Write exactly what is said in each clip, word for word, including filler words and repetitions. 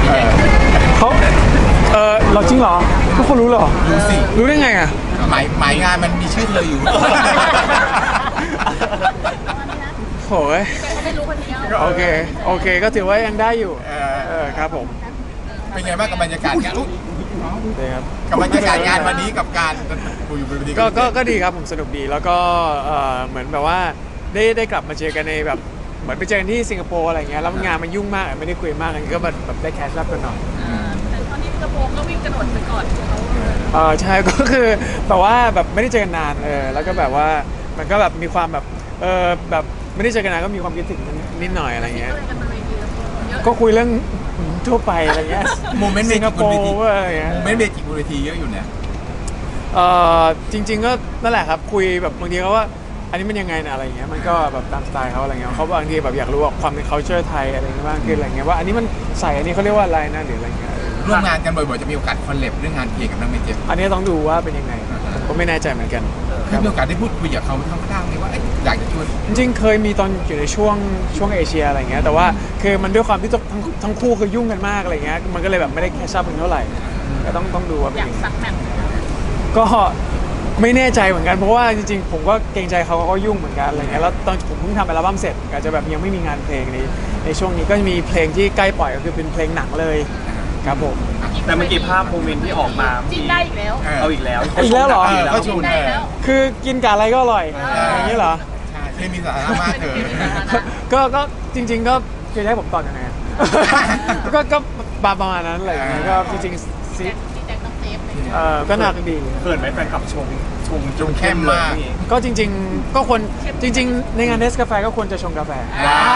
เขาเออเราจริงเหรอทุกคนรู้เหรอรู้สิรู้ได้ไงอ่ะหมายหมายงานมันมีชื่อเธออยู่โหยโอเคโอเคก็ถือว่ายังได้อยู่เออเออครับผมเป็นไงบ้างกับบรรยากาศงานอุ๊ยดีครับกับบรรยากาศงานวันนี้กับการคุยอยู่บนเวทีก็ก็ก็ดีครับผมสนุกดีแล้วก็เอ่อเหมือนแบบว่าได้ได้กลับมาเจอกันในแบบเหมือนไปเจอกันที่สิงคโปร์อะไรเงี้ยแล้วงานมันยุ่งมากไม่ได้คุยมากอันนี้ก็แบบแบบได้แคชรับกันหน่อยแต่ตอนนี้สิงคโปร์ก็วิ่งกระโดดไปก่อนเขาเออใช่ ก็คือแบบว่าแบบไม่ได้เจอกันนานเออแล้วก็แบบว่ามันก็แบบมีความแบบเออแบบไม่ได้เจอกันนานก็มีความคิดถึงนิดหน่อยอะไรเงี้ยก็เลยกันบนเวทีแล้วเยอะก็คุยเรื่องทั่วไปอะไรเงี้ยโมเมนต์เมสิงคจิกโปบนเวทีร์อะไรเงี้ยโมเมนต์เมจิกบนเวทีเยอะอยู่เนี่ยเออจริง ๆ ก็นั่นแหละครับคุยแบบบางทีเขาว่าอันนี้มันยังไงนะอะไรเงี้ยมันก็แบบตามสไตล์เขาอะไรเงี้ยเขาบางทีแบบอยากรู้ว่าความเป็น culture ไทยอะไรเงี้ยบ้างคืออะไรเงี้ยว่าอันนี้มันใส่อันนี้เขาเรียกว่าอะไรนะหรืออะไรเงี้ยร่วมงานกันบ่อยๆจะมีโอกาสคอลแลบเรื่องงานเพลงกับน้องเมจิกอันนี้ต้องดูว่าเป็นยังไงผมก็ไม่แน่ใจเหมือนกันคได้รับมีโอกาสได้พูดคุยกับเขาทั้งข้างๆไหมว่าเอ๊ะอยากจะชวนจริงๆเคยมีตอนอยู่ในช่วงช่วงเอเชียอะไรเงี้ยแต่ว่าคือมันด้วยความที่ทั้งทั้งคู่คือยุ่งกันมากอะไรเงี้ยมันก็เลยแบบไม่ได้แคชชั่นกันเท่าไหร่ก็ต้องต้องดูว่าเป็นอยากยังไงสักแมตช์ก็ไม่แน่ใจเหมือนกันเพราะว่าจริงๆผมก็เกรงใจเขาเขาก็ยุ่งเหมือนกันอะไรเงี้ยแล้วตอนผมเพิ่งทำอัลบั้มเสร็จอาจจะแบบยังไม่มีงานเพลงในในช่วงนี้ก็จะมีเพลงที่ใกล้ปล่อยก็คือเป็นเพลงหนังเลยครับผมแต่เมื่อกี้ภาพโมเมนต์ที่ออกมาจิ้นได้อีกแล้วเอาอีกแล้วอีกแล้วเหรอเออเขาชจิ้วนนได้เออแล้วคือกินกับอะไรก็อร่อยเออออย่างนี้เหรอใช่เคมีสาระมากเธอก็ก็จริง ๆ ก็คือจะให้ผมตอบยังไงอะ ก็ก็ประมาณนั้นอะไรอย่างเงี้ยก็จริงๆซิที่แจ็คต้องเซฟเลยเออก็หนักดีเขินไหมแฟนคลับชมชมชมเข้มมากเลยก็จริง ๆ ก็ควรจริง ๆ ในงานเนสกาแฟก็ควรจะชงกาแฟว้าว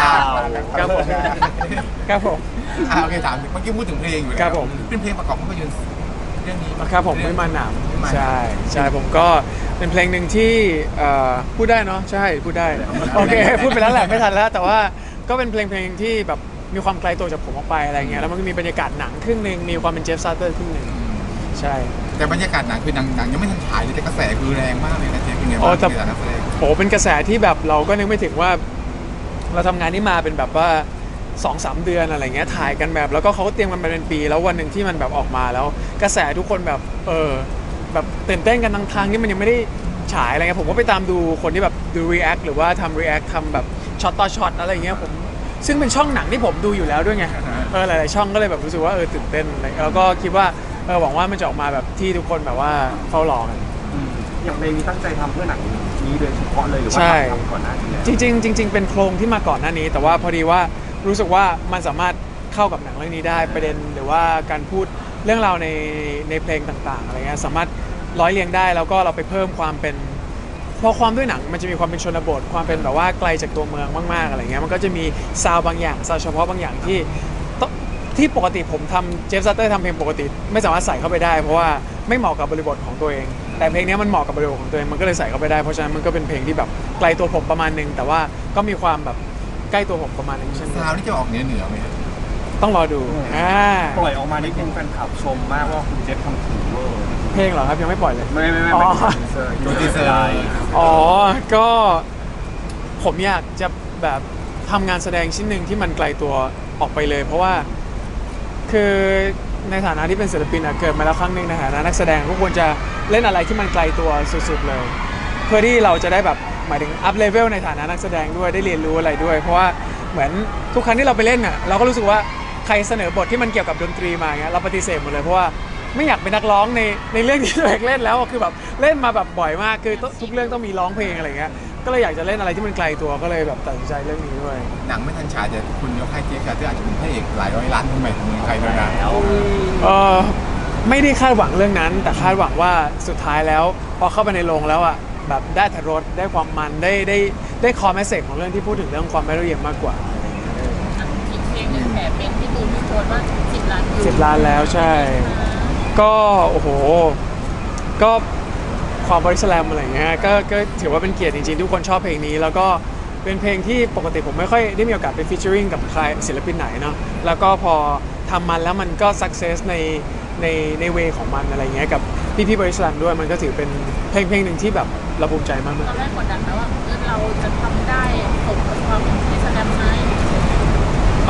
ครับผมครับผมอ่าโอเคถามเมื่อกี้พูดถึงเพลงอยู่แล้วครับผมเป็นเพลงประกอบภาพยนตร์เรื่องนี้ครับผมไม่มาหนามไม่มาหนามใช่ใช่ผมก็เป็นเพลงหนึ่งที่เอ่อพูดได้เนาะใช่พูดได้โอเคพูดไปแล้วแหละไม่ทันแล้ว แต่ว่าก็เป็นเพลงเพลงที่แบบมีความไกลตัวจากผมออกไปอะไรเงี้ยแล้วมันก็มีบรรยากาศหนังครึ่งหนึ่งมีความเป็นเจฟซาร์เตอร์ครึ่งหนึ่งใช่แต่บรรยากาศหนังคือหนังหนังยังไม่ทันฉายเลยแต่กระแสคือแรงมากเลยนะเจ๊เป็นไงโอ้บ้างแต่ในฐานะนักแสดงโหเป็นกระแสที่แบบเราก็นึกไม่ถึงว่า เราทำงานนี้มาเป็นแบบว่าสองสามเดือนอะไรเงี้ยถ่ายกันแบบแล้วก็เขาก็เตรียมกันมาเป็นปี แล้ววันหนึ่งที่มันแบบออกมาแล้ว กระแสทุกคนแบบเออแบบตื่นเต้นกันทั้งทางที่มันยังไม่ได้ฉายอะไรเงี้ยผมก็ไปตามดูคนที่แบบดู react หรือว่าทำ react ทำแบบช็อตต่อช็อตอะไรเงี้ยผมซึ่งเป็นช่องหนังที่ผมดูอยู่แล้วด้วยไงเออหลายๆช่องก็เลยแบบรู้สึกว่าเออตื่นเต้นอะไรแล้วก็คิดว่าเออหวังว่ามันจะออกมาแบบที่ทุกคนแบบว่าเฝ้ารอกันอืมอย่างเพลงนี้ตั้งใจทำเพื่อหนังนี้โดยเฉพาะเลยหรือว่าใช่ทำก่อนหน้านี้แล้วจริงๆจริงๆเป็นโครงที่มาก่อนหน้านี้ แต่ว่าพอดีว่ารู้สึกว่ามันสามารถเข้ากับหนังเรื่องนี้ได้ประเด็นหรือว่าการพูดเรื่องราวในในเพลงต่างๆอะไรเงี้ยสามารถร้อยเรียงได้แล้วก็เราไปเพิ่มความเป็นเพราะความด้วยหนังมันจะมีความเป็นชนบทความเป็นแบบว่าไกลจากตัวเมืองมากๆอะไรเงี้ยมันก็จะมีซาวด์บางอย่างซาวด์เฉพาะบางอย่างที่ต้องที่ปกติผมทำเจฟซัตเตอร์ทำเพลงปกติไม่สามารถใส่เข้าไปได้ เพราะว่าไม่เหมาะกับบริบทของตัวเอง แต่เพลงนี้มันเหมาะกับบริบทของตัวเองมันก็เลยใส่เข้าไปได้เพราะฉะนั้นมันก็เป็นเพลงที่แบบไกลตัวผมประมาณนึงแต่ว่าก็มีความแบบใกล้ตัวผมประมาณนึงเช่นกันซาวนี่จะออกเหนือเหนือไหมครับต้องรอดูอ่าปล่อยออกมานี่เป็นแฟนคลับชมมากว่าคุณเจฟทำถึงเวอร์เพลงเหรอครับยังไม่ปล่อยเลยไม่ไม่ไม่อ๋อไม่เป็นเซอร์ดูทีเซอร์อ๋อ ก็ผมอยากจะแบบทำงานแสดงชิ้นหนึ่งที่มันไกลตัวออกไปเลย เพราะว่าคือในฐานะที่เป็นศิลปินอะเกิดมาแล้วครั้งหนึ่งในฐานะนักแสดงก็ควรจะเล่นอะไรที่มันไกลตัวสุดๆเลย เพื่อที่เราจะได้แบบหมายถึงอัพเลเวลในฐานะนักแสดงด้วยได้เรียนรู้อะไรด้วย เพราะว่าเหมือนทุกครั้งที่เราไปเล่นอะเราก็รู้สึกว่าใครเสนอบทที่มันเกี่ยวกับดนตรีมาเงี้ยเราปฏิเสธหมดเลยเพราะว่าไม่อยากเป็นนักร้องในในเรื่องที่ตัวเองเล่นแล้วอะคือแบบเล่นมาแบบบ่อยมากคือทุกเรื่องต้องมีร้องเพลงอะไรเงี้ยก็เลยอยากจะเล่นอะไรที่มันไกลตัวก็เลยแบบตัดสินใจเรื่องนี้ด้วยหนังไม่ทันฉายแต่คุณยกให้เจ๊กาเตอร์อาจจะเป็นพระเอกหลายร้อยล้านคนใหม่ของเมืองไทยแล้วนะเออไม่ได้คาดหวังเรื่องนั้น แต่คาดหวังว่าสุดท้ายแล้วพอเข้าไปในโรงแล้วอ่ะแบบได้ทรสได้ความมันได้ได้ได้คอมเมสเซจของเรื่องที่พูดถึงเรื่องความไม่ละเอียดมากกว่าอีกเพลงหนึ่งแอบเป็นที่ตูนพี่โพสต์ว่าสิบล้านวิวสิบล้านแล้วใช่ ก็โอ้โหก็ความบริสแลมอะไรเงี้ยก็ก็ถือว่าเป็นเกียรติจริงๆทุกคนชอบเพลงนี้ แล้วก็เป็นเพลงที่ปกติผมไม่ค่อยได้มีโอกาสไปฟีเจอริงกับใครศิลปินไหนเนาะแล้วก็พอทำมันแล้วมันก็สักเซสในในในเวของมันอะไรเงี้ยกับพี่พี่บริสแลมด้วยมันก็ถือเป็นเพลงเพลงหนึ่งที่แบบเราภูมิใจมากตอนแรกกดดันไหมว่าเออเราจะทำได้สมกับความเป็นที่แสดงไหมๆเ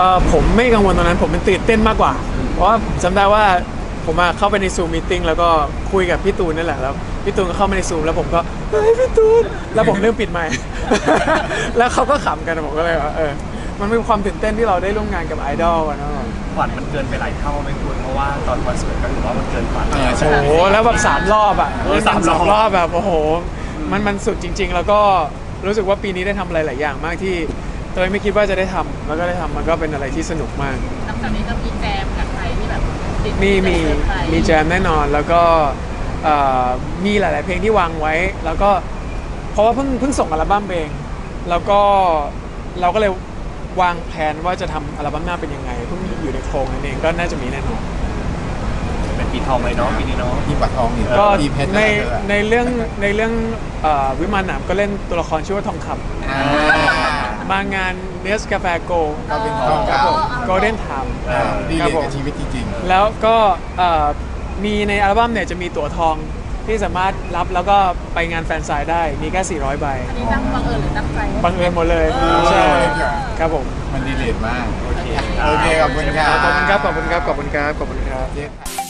เออผมไม่กังวลตรงนั้นผมเป็นตื่นเต้นมากกว่า เพราะว่าจำได้ว่าผมมาเข้าไปในซูมมีติ้งแล้วก็คุยกับพี่ตูนนั่นแหละแล้วพี่ตูนก็เข้ามาในซูมแล้วผมก็เฮ้ยพี่ตูนแล้วผมเริ่มปิดไมค์ แล้วเขาก็ขำกันผมก็เลยว่าเออมันเป็นความตื่นเต้นที่เราได้ร่วมงานกับไอดอลอะเนาะฝันมันเกินไปหลายเท่าไหมคุณเพราะว่าตอนคอนเสิร์ตก็ถือว่ามันเกินฝันเออใช่โอ้โหแล้วแบบสามรอบอ่ะเออสามรอบรอบแบบโอ้โหมันมันสุดจริง ๆ แล้วก็รู้สึกว่าปีนี้ได้ทำอะไรหลายอย่างมากที่เตยไม่คิดว่าจะได้ทำแล้วก็ได้ทำมันก็เป็นอะไรที่สนุกมากหลังจากนี้ก็มีแจมกับใครที่แบบติดมีมีเซอร์ไพรส์มีแจมแน่นอนแล้วก็เอ่อมีหลาย ๆ เพลงที่วางไว้ แล้วก็เพราะว่าเพิ่งเพิ่งส่งอัลบั้มเองแล้วก็เราก็เลยวางแผนว่าจะทำอัลบั้มหน้าเป็นยังไงเพิ่งอยู่ในโครงนั่นเองก็น่าจะมีแน่นอนเป็นปีทองเลยเนาะปีนี้เนาะที่ปัดทองอีกก็ที่เพชรในนะในเรื่องในเรื่องเอ่อวิมานหนามก็เล่นตัวละครชื่อว่าทองคอ่าำมางานเนสกาแฟโกก็เป็นทองครับเก่าผมโกลเด้นไทม์อ่าดีครัเลยบผมกับชีวิตจริงแล้วก็เอ่อมีในอัลบั้มเนี่ยจะมีตั๋วทองที่สามารถรับแล้วก็ไปงานแฟนไซน์ได้ มีแค่สี่ร้อยใบอันนี้ตั้งบังเอิญหรือตั้งใจบังเอิญหมดเลยเออใช่ครับผมๆ มันดีเลทมากโอเคโอเคขอบคุณครับขอบคุณครับ ขอบคุณครับ ขอบคุณครับ ขอบคุณครับเจ๊